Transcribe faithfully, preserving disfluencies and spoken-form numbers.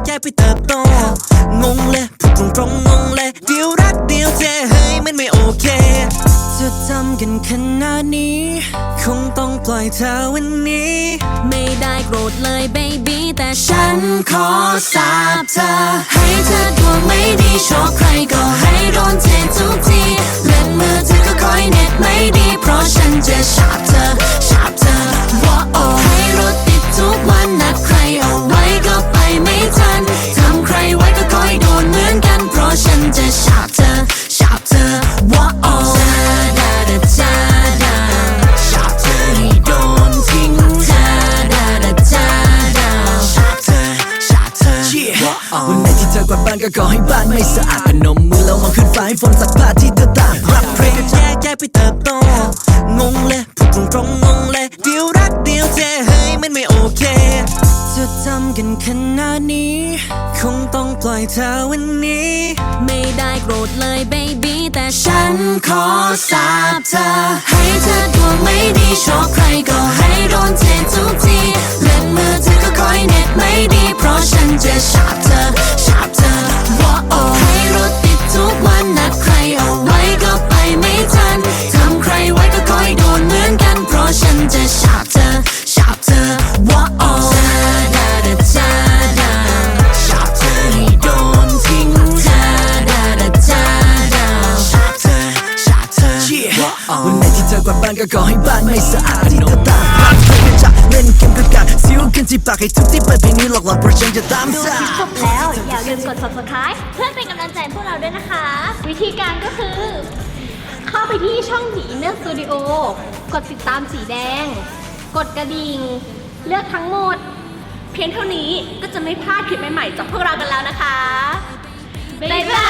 แยกไปเติบโตงงเลยพูดตรงตรงงงเลยเดียวรักเดียวเจเฮ้ยมันไม่โอเคจะทำกันขนาดนี้คงต้องปล่อยเธอวันนี้ไม่ได้โกรธเลยเบบี้แต่ฉันขอสาบเธอให้เธอดวงไม่ดีโชคใครก็ให้โดนเททุกทีเล่นมือถือก็คอยเน็ตไม่ดีเพราะฉันจะฉาบเธอฉาบเธอว่าโอ้ให้รถติดทุกวันนัดใครเอาไว้ก็ไปไม่ทันทำใครไว้ก็คอยโดนเหมือนกันเพราะฉันจะฉาบเธอฉาบเธอว่าโอ้จาดาดาจาดาฉาบเธอให้โดนทิ้งจาดาดาจาดาฉาบเธอฉาบเธอว่าโอ้วันไหนที่เธอกวาดบ้านก็ขอให้บ้านไม่สะอาดพนมมือแล้วมองขึ้นฟ้าให้ฝนสักผ้าที่เธอตากรับเพลงแยกแยกไปเติบโตงงเลยพูดตรงตรงงงเลยเดียวรักเดียวเจเฮ้ยมันไม่โอเคจะทำกันขนาดนี้คงต้องปล่อยเธอวันนี้ไม่ได้โกรธเลยเบบี้แต่ฉันขอสาบเธอให้เธอดวงไม่ดีโชคใครก็ให้โดนเททุกทีเล่นมือถือก็คอยเน็ตไม่ดีเพราะฉันจะฉาบเธอฉาบเธอว่าโอ้ให้รถติดทุกวันนัดใครเอาไว้ก็ไปไม่ทันทำใครไว้ก็คอยโดนเหมือนกันเพราะฉันจะฉาบเธอฉาบเธอว่าโอ้จาดาดาจาดาฉาบเธอให้โดนทิ้งจาดาดาจาดาฉาบเธอฉาบเธอว่าโอ้วันไหนที่เธอกวาดบ้านก็ขอให้บ้านไม่สะอาดที่เธอตามหาเธอจะเล่นเกมกับการซิ้วขึ้นที่ปากให้ทุกที่เปิดเพลงนี้หลอกหลอนเพราะฉันจะตามดูสาคลิปจบแล้วอย่าลืมกด ซับสไครบ์ เพื่อเป็นกำลังใจพวกเราด้วยนะคะ วิธีการก็คือ เข้าไปที่ช่องผีอินเนอร์สตูดิโอกดติดตามสีแดง กดกระดิ่ง เลือกทั้งหมด เพียงเท่านี้ก็จะไม่พลาดคลิปใหม่ๆจากพวกเรากันแล้วนะคะ บ๊ายบา